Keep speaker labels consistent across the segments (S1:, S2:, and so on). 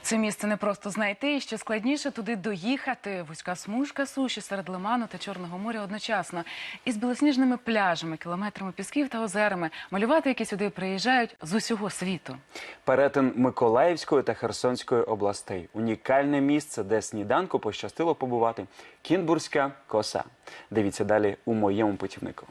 S1: Це місце не просто знайти, і що складніше туди доїхати. Вузька смужка суші серед Лиману та Чорного моря одночасно. Із білосніжними пляжами, кілометрами пісків та озерами. Малювати, які сюди приїжджають з усього світу.
S2: Перетин Миколаївської та Херсонської областей. Унікальне місце, де сніданку пощастило побувати. Кінбурзька коса. Дивіться далі у моєму путівнику.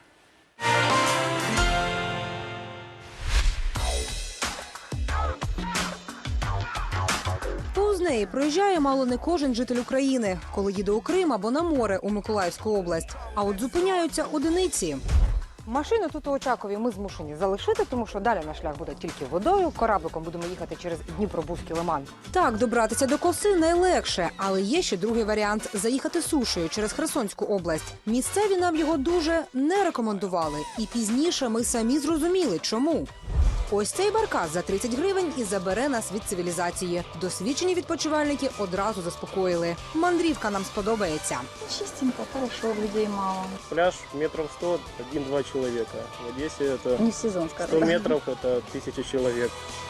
S3: Повз неї проїжджає мало не кожен житель України, коли їде у Крим або на море у Миколаївську область. А от зупиняються одиниці.
S4: Машину тут у Очакові ми змушені залишити, тому що далі наш шлях буде тільки водою. Корабликом будемо їхати через Дніпробузький лиман.
S3: Так, добратися до коси найлегше, але є ще другий варіант – заїхати сушею через Херсонську область. Місцеві нам його дуже не рекомендували. І пізніше ми самі зрозуміли, чому. Ось цей баркас за 30 гривень і забере нас від цивілізації. Досвідчені відпочивальники одразу заспокоїли. Мандрівка нам сподобається.
S5: Чистенько, хорошо, людей мало.
S6: Пляж метров 100, 1-2 человека. В Одессе это
S5: Не сезон,
S6: 100
S5: скажем.
S6: метров, это 1000 человек.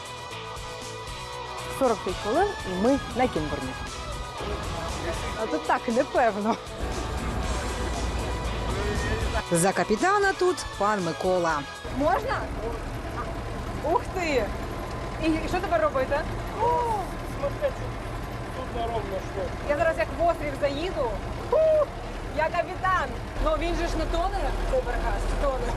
S4: 45 хвилин і ми на Кінбурні. А тут так, непевно.
S3: За капітана тут пан Микола.
S4: Можна? Ух ти! І що тепер робити?
S6: Тут ровно шло.
S4: Я зараз як в острів заїду. Я капітан! Ну він же ж не тоне, цей баркас, чи тоне?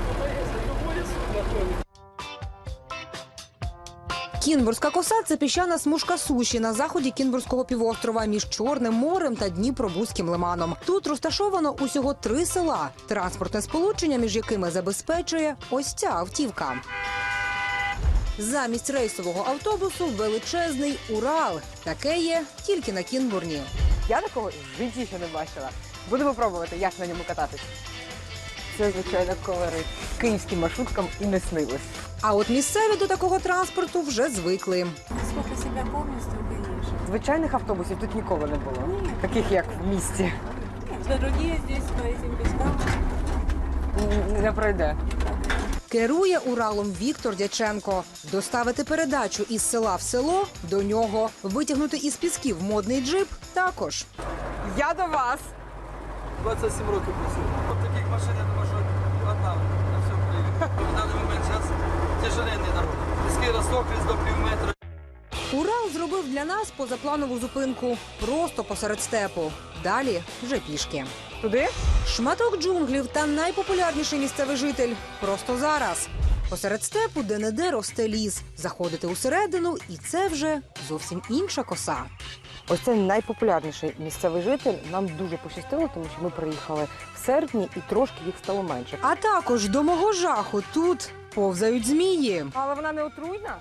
S3: Кінбурзька коса – це піщана смужка суші на заході Кінбурзького півострова між Чорним морем та Дніпробузьким лиманом. Тут розташовано усього 3 села, транспортне сполучення між якими забезпечує ось ця автівка. Замість рейсового автобусу величезний Урал. Таке є тільки на Кінбурні.
S4: Я такого в житті ще не бачила. Будемо пробувати, як на ньому кататись. Це, звичайно, колорит. Київським маршруткам і не снилось.
S3: А от місцеві до такого транспорту вже звикли.
S5: Сколько себя помню, столько ешь.
S4: Звичайних автобусів тут ніколи не було. Таких, як в місті.
S5: Дороги здесь по этим пескам.
S4: Не пройде.
S3: Керує Уралом Віктор Дяченко. Доставити передачу із села в село – до нього. Витягнути із пісків модний джип – також.
S4: Я до вас.
S7: 27 років працюю. От таких машин, я думаю, що одна на всьому Києві. В даний момент зараз тяжеленний народ. Піски розсохлись до півметра.
S3: Урал зробив для нас позапланову зупинку просто посеред степу. Далі вже пішки.
S4: Туди?
S3: Шматок джунглів та найпопулярніший місцевий житель просто зараз. Посеред степу де-не-де росте ліс. Заходити усередину – і це вже зовсім інша коса.
S4: Ось це найпопулярніший місцевий житель. Нам дуже пощастило, тому що ми приїхали в серпні і трошки їх стало менше.
S3: А також до мого жаху тут повзають змії.
S4: Але вона не отруйна?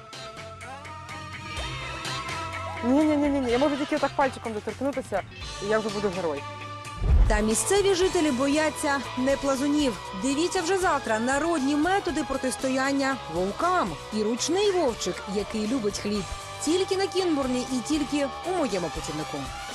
S4: Ні. Я можу тільки так пальчиком доторкнутися, і я вже буду герой.
S3: Та місцеві жителі бояться не плазунів. Дивіться вже завтра народні методи протистояння вовкам. І ручний вовчик, який любить хліб. Тільки на Кінбурні і тільки у моєму путівнику.